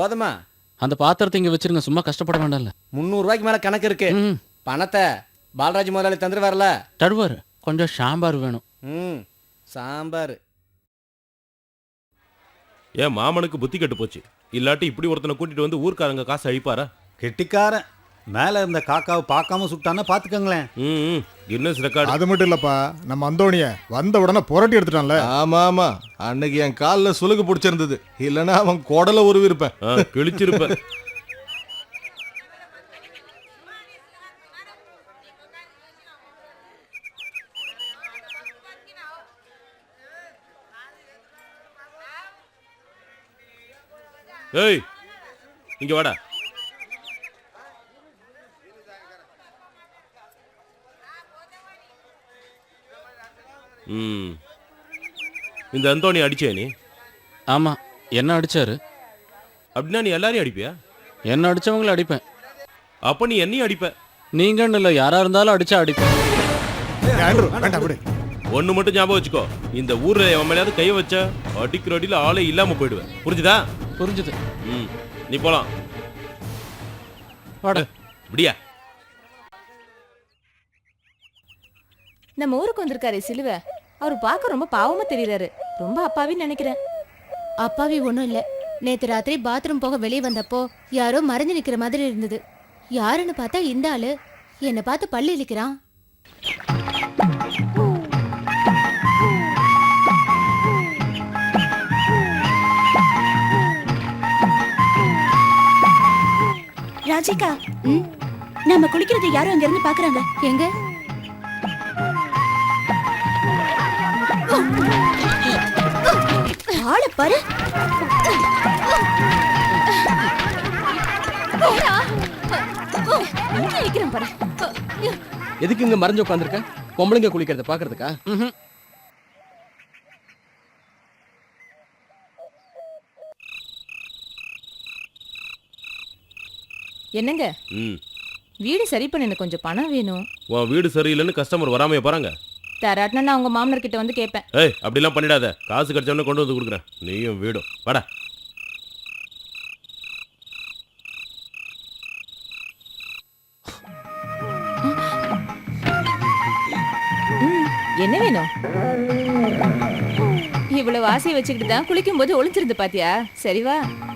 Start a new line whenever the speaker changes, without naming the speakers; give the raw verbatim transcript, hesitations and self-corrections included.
போதுமா?
அந்த பாத்திரத்தை இங்க வச்சிருங்க, சும்மா கஷ்டப்பட வேண்டாம்ல.
முந்நூறு ரூபாய்க்கு மேல கணக்கு இருக்கு.
ம்.
பணத்தை பாலராஜ் முதலாளி தந்துட்டு வரல.
தருவார். கொஞ்சம் சாம்பார் வேணும்.
ம் சாம்பார்.
ஏன் மாமனுக்கு புத்தி கெட்டு போச்சு. இல்லாட்டி இப்படி ஒருத்தனை கூட்டிட்டு வந்து ஊர்க்காரங்க காசு அழிப்பாரா?
கெட்டிக்காரன். மேல இருந்த காக்காவை பார்க்காம சுட்டானா பாத்துக்கங்களேன்.
ம் கின்னஸ் ரெக்கார்டு.
அது மட்டும் இல்லப்பா, நம்ம அந்தோணிய வந்த உடனே புரட்டி எடுத்துட்டான்ல.
ஆமா ஆமா, அன்னைக்கு என் காலில் சுலுக்கு பிடிச்சிருந்தது. இல்லைன்னா அவன் குடலை உருவிருப்பேன்.
கிழிச்சிருப்பேன். ஏய் இங்க வாடா. ம் இந்த அந்தோணி அடிச்சே நீ?
ஆமா, என்ன அடிச்சாரு.
அப்படின்னா நீ எல்லாரையும் அடிப்பியா?
என்ன அடிச்சவங்கள அடிப்பேன்.
அப்ப நீ என்னையும் அடிப்ப.
நீங்கன்னு இல்லை, யாரா இருந்தாலும் அடிச்சா அடிப்பேன்.
ஒண்ணு மட்டும் ஞாபகம் வச்சுக்கோ, இந்த ஊர்ல எவன் மேலேயாவது கைய வச்ச அடிக்கிற அடியில ஆளே இல்லாம போயிடுவேன். புரிஞ்சுதா?
புரிஞ்சுது.
ம் நீ போலாம்.
வாடா.
இப்படியா?
நம்ம ஊருக்கு வந்திருக்காரு சிலுவை. அவரு பார்க்க ரொம்ப பாவமா தெரியறாரு. ரொம்ப அப்பாவின்னு நினைக்கிறேன்.
அப்பாவி ஒன்றும் இல்லை. நேற்று ராத்திரி பாத்ரூம் போக வெளியே வந்தப்போ யாரோ மறைஞ்சு நிற்கிற மாதிரி இருந்தது. யாருன்னு பார்த்தா இந்த ஆளு என்னை பார்த்து பல்லு இழிக்கிறான்.
ராஜிகா, நம்ம குளிக்கிறது யாரும் அங்க இருந்து பாக்குறாங்க.
எங்க?
ஆளை பாரு.
எதுக்கு இங்க மறைஞ்சு உட்காந்துருக்க? பொம்பளைங்க குளிக்கிறத பாக்குறதுக்கா?
என்னங்க?
ம்
வீடு சரி பண்ண எனக்கு கொஞ்சம் பணம் வேணும்.
உன் வீடு சரியில்லைன்னு கஸ்டமர் வராமைய போறாங்க.
தராட்டினா நான் உங்க மாமனார் கிட்ட வந்து கேட்பேன்.
ஏய் அப்படிலாம் பண்ணிடாத. காசு கிடைச்சவொடனே கொண்டு வந்து கொடுக்குறேன். நீயும் வீடும் வாடா.
என்ன வேணும்? இவ்வளவு ஆசையை வச்சுக்கிட்டு தான் குளிக்கும் போது ஒளிஞ்சிருந்து பாத்தியா? சரி வா.